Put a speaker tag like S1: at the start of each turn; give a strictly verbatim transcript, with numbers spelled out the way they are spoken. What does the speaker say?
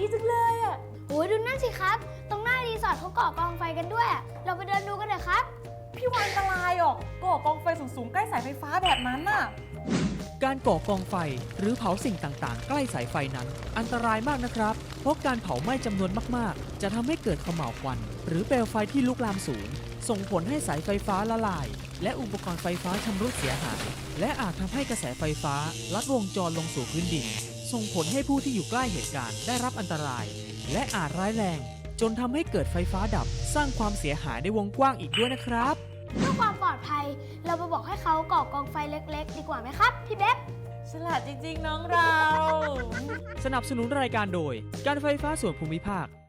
S1: ดีจังเลยอ่ะ
S2: โอ้ยดูนั่นสิครับตรงหน้ารีสอร์ทเขาก่อกองไฟกันด้วย เราไปเดินดูกันเถอะครับ
S1: พี่วานอันตรายหรอกก่อกองไฟสูงๆใกล้สายไฟฟ้าแบบนั้นน่ะ
S3: การก่อกองไฟหรือเผาสิ่งต่างๆใกล้สายไฟนั้นอันตรายมากนะครับเพราะการเผาไหม้จำนวนมากๆจะทำให้เกิดเขม่าวควันหรือเปลวไฟที่ลุกลามสูงส่งผลให้สายไฟฟ้าละลายและอุปกรณ์ไฟฟ้าชำรุดเสียหายและอาจทำให้กระแสไฟฟ้าลัดวงจรลงสู่พื้นดินส่งผลให้ผู้ที่อยู่ใกล้เหตุการณ์ได้รับอันตรายและอาจร้ายแรงจนทำให้เกิดไฟฟ้าดับสร้างความเสียหายในวงกว้างอีกด้วยนะครับ
S2: เพื่อความปลอดภัยเราไปบอกให้เขาก่อกองไฟเล็กๆดีกว่าไหมครับพี่เบ๊บ
S1: ฉลาดจริงๆน้องเรา
S3: สนับสนุนรายการโดยการไฟฟ้าส่วนภูมิภาค